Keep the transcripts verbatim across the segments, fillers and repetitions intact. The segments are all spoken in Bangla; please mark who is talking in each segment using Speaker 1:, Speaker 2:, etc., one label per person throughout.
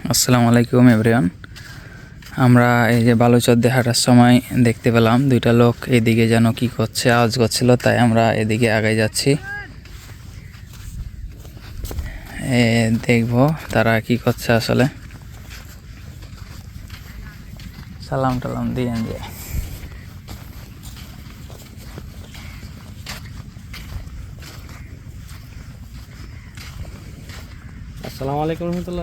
Speaker 1: আসসালামু আলাইকুম এভরিওয়ান। আমরা এই যে বালুচর দিয়ে হাঁটার সময় দেখতে পেলাম দুইটা লোক এদিকে যেন কি করছে, আওয়াজ করছিল, তাই আমরা এদিকে আগে যাচ্ছি, এ দেখবো তারা কি করছে আসলে। সালাম টালাম দিয়ে যে
Speaker 2: আসসালামু আলাইকুম রহমতুল্লাহ।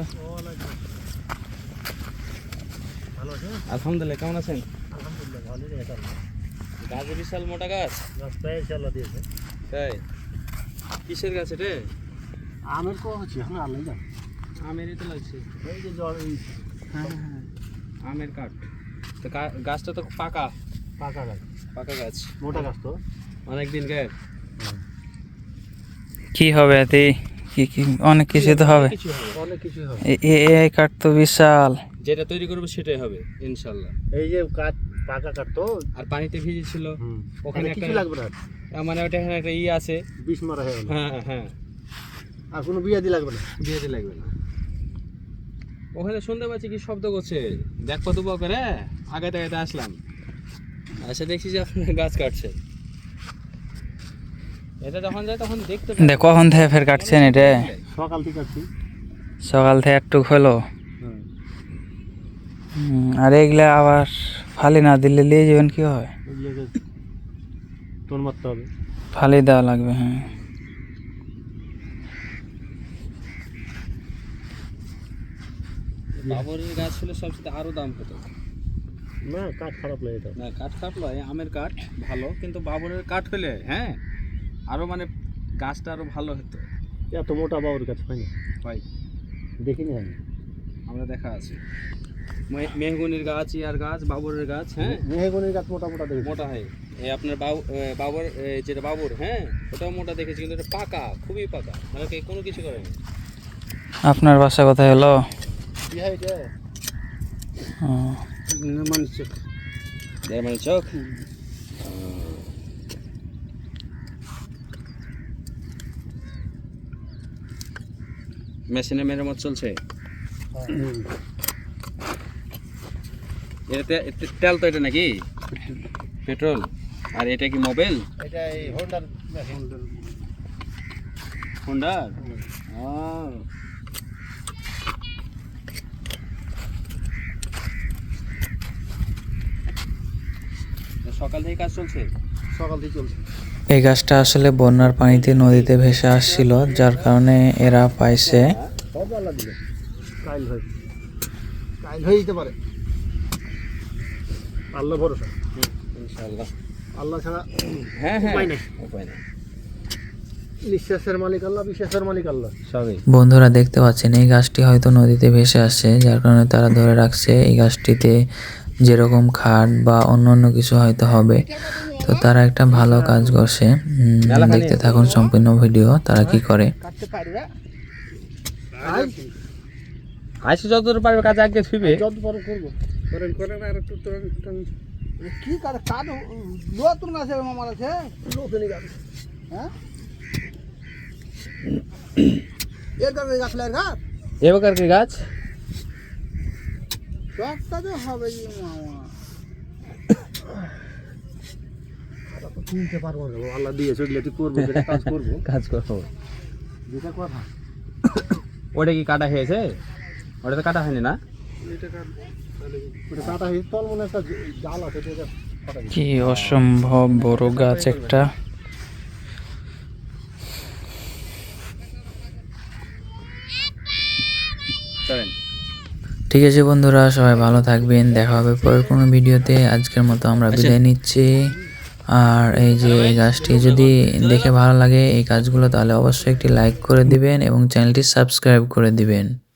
Speaker 2: আলহামদুলিল্লাহ, কেমন আছেন?
Speaker 3: আলহামদুলিল্লাহ ভালোই আছে।
Speaker 2: গাছ বিশাল মোটা গাছ,
Speaker 3: রাস্তায় চালা দিয়েছে।
Speaker 2: তাই কিসের গাছ এটা?
Speaker 3: আমের কো হচ্ছে আমি আলাই না।
Speaker 2: আমেরই তো লাগছে।
Speaker 3: এই যে জল এই
Speaker 2: হ্যাঁ হ্যাঁ আমের কাঠ তো। গাছটা তো পাকা
Speaker 3: পাকা গাছ,
Speaker 2: পাকা গাছ,
Speaker 3: মোটা গাছ তো
Speaker 2: অনেক দিন গায়ে।
Speaker 1: কি হবে এতে? কি কি অনেক কিছু তো হবে,
Speaker 2: কিছু হবে,
Speaker 3: অনেক কিছু হবে।
Speaker 1: এই কাঠ তো বিশাল।
Speaker 2: যেটা তৈরি করবো সেটাই হবে ইনশাল্লাহ।
Speaker 3: এই যে কাঠ পাকা কাঠ তো,
Speaker 2: আর পানিতে ভিজে ছিল
Speaker 3: ওখানে কিছু লাগবে না,
Speaker 2: মানে ওটা এখানে একটা ই আছে,
Speaker 3: বিষ মারা হয়ে গেল।
Speaker 2: হ্যাঁ হ্যাঁ,
Speaker 3: আর কোনো বিয়া দি লাগবে না,
Speaker 2: বিয়েতে লাগবে না। ওখানে শুনতে পাচ্ছি কি শব্দ করছে, দেখ কত বক করে আগাতে আগাতে আসলাম, এসে দেখছি যে আপনার গাছ কাটছে। এটা যখন যায় তখন দেখতে পাই।
Speaker 1: দেখো কখন থেকে ফের কাটছেন এটা?
Speaker 3: সকাল থেকে কাটছি।
Speaker 1: সকাল থেকে একটু হলো। আর এগুলা আবার ফালি না দিলে নিয়ে যাবেন কি হয়?
Speaker 3: এগুলোকে টোন মারতে হবে,
Speaker 1: ফালি দেওয়া লাগবে। হ্যাঁ,
Speaker 2: বাবরের গাছ হলে সবচেয়ে আরো দাম হতো
Speaker 3: না। কাঠ খারাপ লাগে এটা
Speaker 2: না, কাঠ খারাপ নয়, আমের কাঠ ভালো, কিন্তু বাবরের কাঠ হলে হ্যাঁ আরো মানে গাছটা আরো ভালো হতো।
Speaker 3: এত মোটা বাবুর গাছ হয় না
Speaker 2: ভাই,
Speaker 3: দেখিনি আমি।
Speaker 2: আমরা দেখা আছে মেহগুনির গাছ, ইয়ার গাছ, বাবরের গাছ, হ্যাঁ
Speaker 3: মেহগনির গাছ মোটা মোটা দেখি,
Speaker 2: মোটা হয়। এই আপনার বাবু বাবর যেটা বাবর, হ্যাঁ ওটাও মোটা দেখেছি, কিন্তু এটা পাকা, খুবই পাকা, মানে কি কোনো কিছু করেনি।
Speaker 1: আপনার বাসা কোথায় হলো?
Speaker 3: কি হয় এটা?
Speaker 1: ও,
Speaker 3: নির্মাণ চোখ,
Speaker 2: নির্মাণ চোখ। মেশিনে মেরামত চলছে। এটাতে তেল তো এটা নাকি পেট্রোল? আর এটা কি মোবাইল?
Speaker 3: এটা এই হোন্ডার মেশিন।
Speaker 2: হোন্ডার? সকাল থেকে কাজ চলছে?
Speaker 3: সকাল থেকে চলছে।
Speaker 1: এই গাছটা আসলে বন্যার পানিতে নদীতে ভেসে আসছিল, যার কারণে এরা পাইছে।
Speaker 3: সব আল্লাহ দিলে কাইল হয়, কাইল হয়ে যেতে পারে, আল্লাহ ভরসা
Speaker 2: ইনশাআল্লাহ।
Speaker 3: আল্লাহ ছাড়া
Speaker 2: হ্যাঁ হ্যাঁ
Speaker 3: উপায় নেই,
Speaker 2: উপায় নেই।
Speaker 3: নিঃশ্বাসের মালিক আল্লাহ, বিশ্বাসের মালিক আল্লাহ
Speaker 2: সবই।
Speaker 1: বন্ধুরা দেখতে পাচ্ছেন এই গাছটি হয়তো নদীতে ভেসে আসছে, যার কারণে তারা ধরে রাখছে। এই গাছটিতে যেরকম খাট বা অন্য অন্য কিছু হয়তো হবে, তো তারা একটা ভালো কাজ করছে। দেখতে থাকুন সম্পূর্ণ ভিডিও তারা কি করে।
Speaker 3: কাটতে পারবে,
Speaker 2: আইসি যতদূর পারবে কাজ আগে থুইবে,
Speaker 3: যত বড় করবো করেন করেন। আর একটু কি কাজ কাজ লোয়া তুমি আছে মামার আছে লোকজনই গাছ, হ্যাঁ এর গাছ গাছ লাগার গাছ
Speaker 2: এ প্রকার কি গাছ
Speaker 3: সবটা তো হবে কি মামা। চিনতে পারবো না, আল্লাহ দিয়েছে ওইগুলো তুই করবো, যেটা কাজ করবো
Speaker 2: কাজ করবো,
Speaker 3: যেটা কথা।
Speaker 2: ওটা কি কাটা হয়েছে? ওটা তো কাটা হয়নি না?
Speaker 3: এটা কাট ওটা কাটা হয়েছে, তোর মনে একটা জাল আছে এটা কাটা গেছে।
Speaker 1: কি অসম্ভব বড় গাছ একটা।
Speaker 2: চলেন।
Speaker 1: ঠিক আছে বন্ধুরা, সবাই ভালো থাকবেন, দেখা হবে পরের কোনো ভিডিওতে। আজকের মতো আমরা বিদায় নিচ্ছি। আর এই যে এই গাছটি যদি দেখে ভালো লাগে এই কাজগুলো, তাহলে অবশ্যই একটি লাইক করে দিবেন এবং চ্যানেলটি সাবস্ক্রাইব করে দিবেন।